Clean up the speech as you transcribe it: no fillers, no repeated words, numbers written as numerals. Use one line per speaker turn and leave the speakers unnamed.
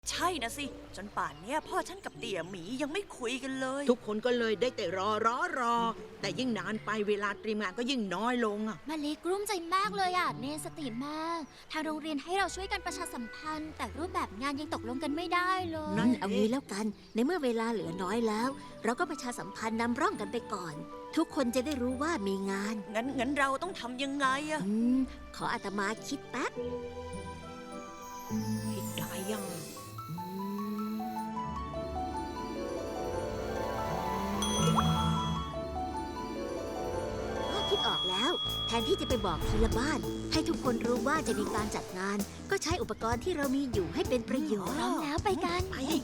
ใช่นะสิจนป่านเนี้ยพ่อฉันกับเตี่ยหมียังไม่คุยกันเลย
ทุกคนก็เลยได้แต่รอ แต่ยิ่งนานไปเวลาเตรียมงานก็ยิ่งน้อยลงอ่ะ
มาลีกลุ้มใจมากเลยอ่ะเนสติมาก ทางโรงเรียนให้เราช่วยกันประชาสัมพันธ์ แต่รูปแบบงานยังตกลงกันไม่ได้เลย
นั่น
เอางี้แล้วกัน ในเมื่อเวลาเหลือน้อยแล้ว เราก็ประชาสัมพันธ์นำร่องกันไปก่อน ทุกคนจะได้รู้ว่ามีงาน
งั้นเราต้องทำยังไงอะ
ขออาตมาคิดแป๊บ
คิดได้ยัง
คิดออกแล้ว แทนที่จะไปบอกทีละบ้าน ให้ทุกคนรู้ว่าจะมีการจัดงาน ก็ใช้อุปกรณ์ที่เรามีอยู่ให้เป็นประโยชน์
พร้อมแล้วไปกัน
ไป